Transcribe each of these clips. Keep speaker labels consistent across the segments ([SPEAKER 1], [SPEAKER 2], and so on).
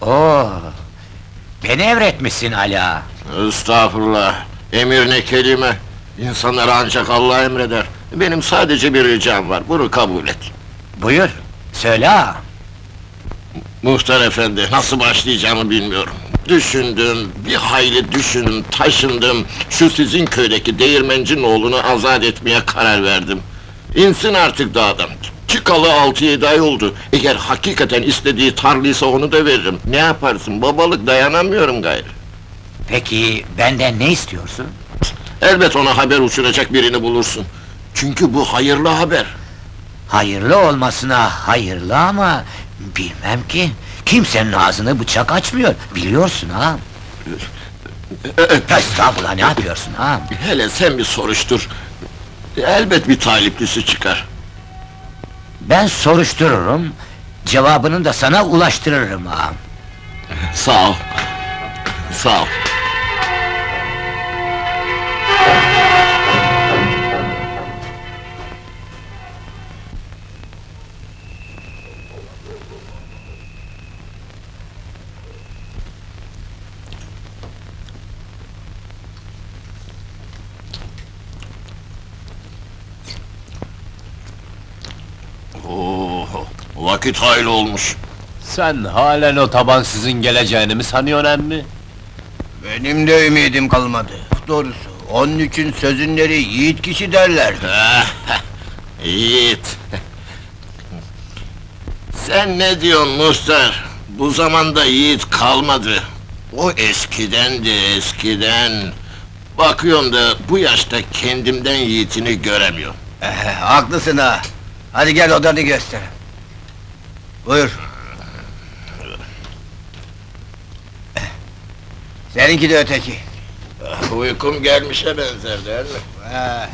[SPEAKER 1] Oo, beni emretmişsin Ala.
[SPEAKER 2] Estağfurullah, emir ne kelime! İnsanlara ancak Allah emreder. Benim sadece bir ricam var, bunu kabul et.
[SPEAKER 1] Buyur, söyle ağa.
[SPEAKER 2] Muhtar efendi, nasıl başlayacağımı bilmiyorum. Düşündüm, bir hayli düşündüm, taşındım. Şu sizin köydeki değirmencinin oğlunu azat etmeye karar verdim. İnsin artık dağdan. Çıkalı 6-7 ay oldu. Eğer hakikaten istediği tarlıysa onu da veririm. Ne yaparsın, babalık dayanamıyorum gayrı.
[SPEAKER 1] Peki, benden ne istiyorsun?
[SPEAKER 2] Elbet ona haber uçuracak birini bulursun. Çünkü bu hayırlı haber.
[SPEAKER 1] Hayırlı olmasına hayırlı ama... Bilmem ki, kimsenin ağzını bıçak açmıyor, biliyorsun ha? Estağfurullah, ne yapıyorsun ha?
[SPEAKER 2] Hele sen bir soruştur. Elbet bir taliplisi çıkar.
[SPEAKER 1] Ben soruştururum, cevabını da sana ulaştırırım ha.
[SPEAKER 2] Sağ ol. Sağ ol. Oo, vakit hayli olmuş.
[SPEAKER 3] Sen halen o tabansızın geleceğini mi sanıyorsun emmi?
[SPEAKER 4] Benim de ümidim kalmadı. Doğrusu, onun için sözünleri yiğit kişi derlerdi.
[SPEAKER 2] Yiğit! Sen ne diyorsun muhtar? Bu zamanda yiğit kalmadı. O eskidendi, eskiden. Bakıyorum da bu yaşta kendimden yiğitini göremiyorum.
[SPEAKER 4] Haklısın ha. Hadi gel odanı göster. Buyur. Seninki de öteki.
[SPEAKER 2] Uykum gelmişe benzer değil mi?
[SPEAKER 4] He.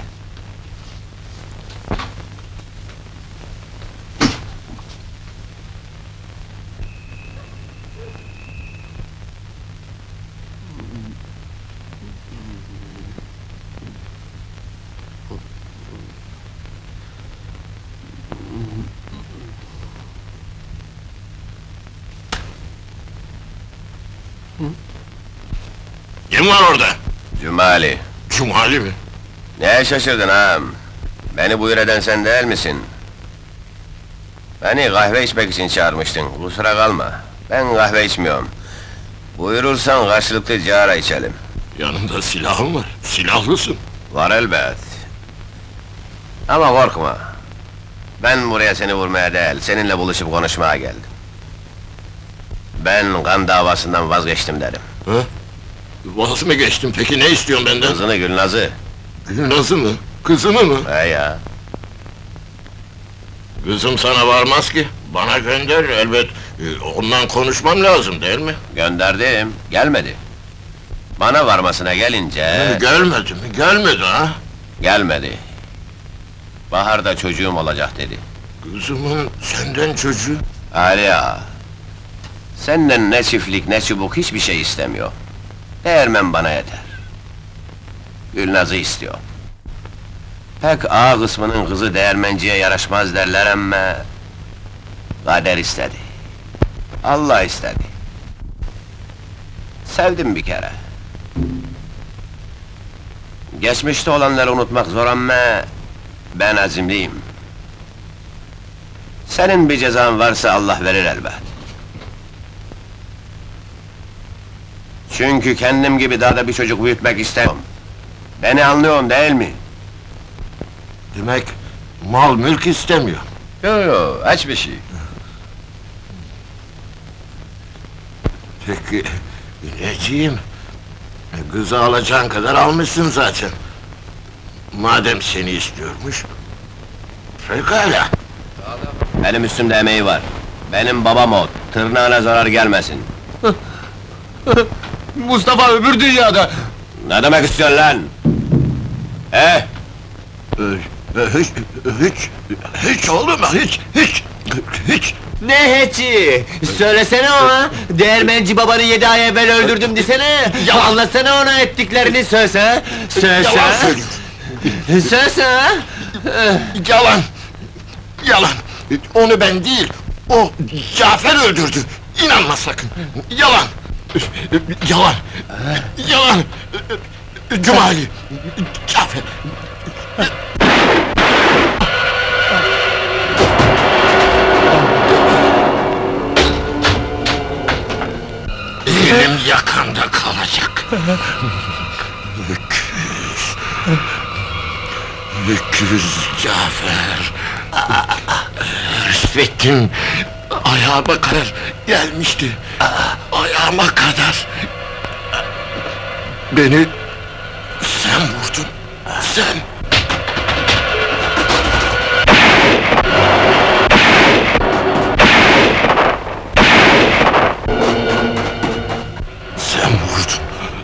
[SPEAKER 2] Kim var orada?
[SPEAKER 3] Cumali,
[SPEAKER 2] Cumali mi?
[SPEAKER 3] neye şaşırdın ağam? Beni buyur eden sen değil misin? Beni kahve içmek için çağırmıştın, kusura kalma. Ben kahve içmiyorum. Buyurursan karşılıklı cigara içelim.
[SPEAKER 2] Yanında silahın var, silahlısın.
[SPEAKER 3] Var elbet. Ama korkma. Ben buraya seni vurmaya değil, seninle buluşup konuşmaya geldim. Ben kan davasından vazgeçtim derim.
[SPEAKER 2] Ha? Vaz mı geçtin peki, ne istiyorsun benden?
[SPEAKER 3] Kızını Gülnaz'ı.
[SPEAKER 2] Gülnaz'ı mı? Kızımı mı?
[SPEAKER 3] He ya.
[SPEAKER 2] Kızım sana varmaz ki, bana gönder elbet. Ondan konuşmam lazım değil mi?
[SPEAKER 3] Gönderdim, gelmedi. Bana varmasına gelince...
[SPEAKER 2] Gelmedi mi? Gelmedi ha?
[SPEAKER 3] Gelmedi. Baharda çocuğum olacak dedi.
[SPEAKER 2] Kızımın senden çocuğu.
[SPEAKER 3] Ali ağa, senden ne çiftlik ne çubuk hiçbir şey istemiyor. Değirmen bana yeter. Gülnaz'ı istiyor. Pek ağa kısmının kızı değirmenciye yaraşmaz derler ama... Kader istedi. Allah istedi. Sevdim bir kere. Geçmişte olanları unutmak zor ama... Ben azimliyim. Senin bir cezan varsa Allah verir elbet. Çünkü kendim gibi daha da bir çocuk büyütmek istemiyorum. Beni anlıyorsun değil mi?
[SPEAKER 2] Demek mal mülk istemiyor.
[SPEAKER 3] Yo, aç bir şey.
[SPEAKER 2] Peki, neciğim? Kızı alacağın kadar almışsın zaten. Madem seni istiyormuş... Pekala!
[SPEAKER 3] Benim üstümde emeği var. Benim babam o, tırnağına zarar gelmesin.
[SPEAKER 4] Mustafa öbür dünyada.
[SPEAKER 3] Ne demek istiyorsun lan?
[SPEAKER 2] Hiç oğlum, hiç!
[SPEAKER 4] Ne hiçi? Söylesene ona! Değirmenci babanı 7 ay evvel öldürdüm desene!
[SPEAKER 2] Yalan!
[SPEAKER 4] Anlatsana ona ettiklerini söylese!
[SPEAKER 2] Yalan söylüyor!
[SPEAKER 4] Söylese!
[SPEAKER 2] Yalan! Yalan! Onu ben değil, o Cafer öldürdü! İnanma sakın! Yalan! Yalan! Yalan! Cumali! Cafer! Elim yakanda kalacak! Öküz Cafer! Rüşvettin ayağıma kadar gelmişti. Ayağıma kadar. Beni sen vurdun. Sen. Sen vurdun.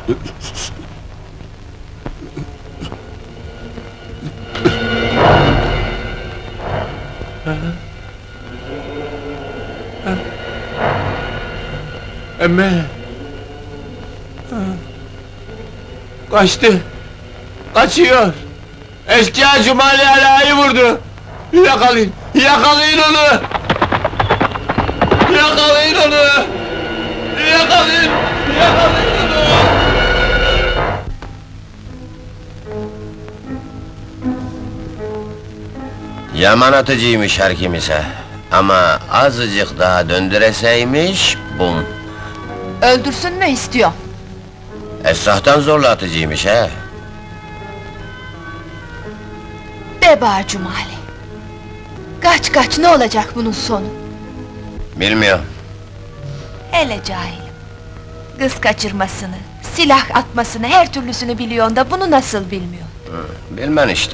[SPEAKER 5] Emme! Kaçtı! Kaçıyor! Eşkıya Cumali Ala'yı vurdu! Yakalayın! Yakalayın onu! Yakalayın onu! Yakalayın! Yakalayın onu!
[SPEAKER 3] Yaman atıcıymış her kimse. Ama azıcık daha döndüreseymiş, bum!
[SPEAKER 6] Öldürsün mü istiyor?
[SPEAKER 3] Esrahtan zorla atıcıymış he!
[SPEAKER 6] De bağır Cumali. Kaç kaç, ne olacak bunun sonu?
[SPEAKER 3] Bilmiyorum.
[SPEAKER 6] Hele cahilim. Kız kaçırmasını, silah atmasını, her türlüsünü biliyorsun da bunu nasıl bilmiyor?
[SPEAKER 3] Bilmem işte.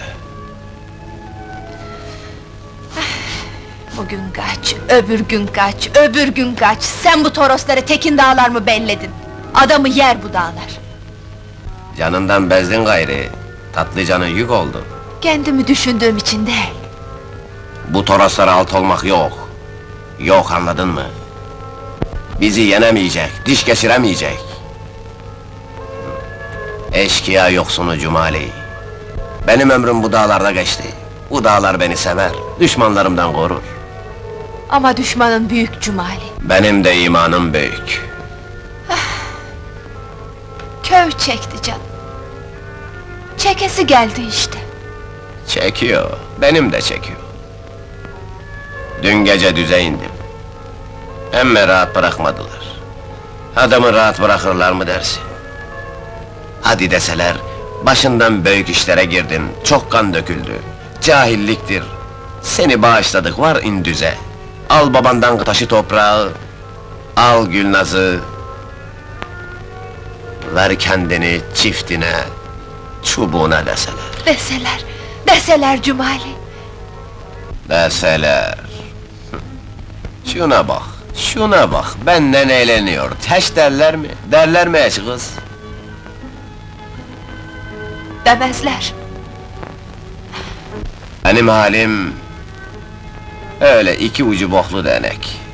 [SPEAKER 6] Bugün kaç, öbür gün kaç, öbür gün kaç! Sen bu torosları Tekin dağlar mı belledin? Adamı yer bu dağlar!
[SPEAKER 3] Canından bezdin gayri. Tatlı canın yük oldu.
[SPEAKER 6] Kendimi düşündüğüm için değil.
[SPEAKER 3] Bu toroslara alt olmak yok. Yok, anladın mı? Bizi yenemeyecek, diş geçiremeyecek. Eşkıya yoksunu Cumali. Benim ömrüm bu dağlarda geçti. Bu dağlar beni sever, düşmanlarımdan korur.
[SPEAKER 6] Ama düşmanın büyük Cumali.
[SPEAKER 3] Benim de imanım büyük.
[SPEAKER 6] Köy çekti canım. Çekesi geldi işte.
[SPEAKER 3] Çekiyor, benim de çekiyor. Dün gece düze indim. Emme rahat bırakmadılar. Adamı rahat bırakırlar mı dersin? Hadi deseler, başından büyük işlere girdin, çok kan döküldü. Cahilliktir. Seni bağışladık, var in düze. Al babandan taşı toprağı, al Gülnaz'ı. Ver kendini çiftine, çubuğuna deseler.
[SPEAKER 6] Deseler, deseler Cumali.
[SPEAKER 3] Deseler. Şuna bak, şuna bak, benden eğleniyor. Teş derler mi? Derler mi eş kız?
[SPEAKER 6] Demezler.
[SPEAKER 3] Benim halim... öyle iki ucu boklu denek.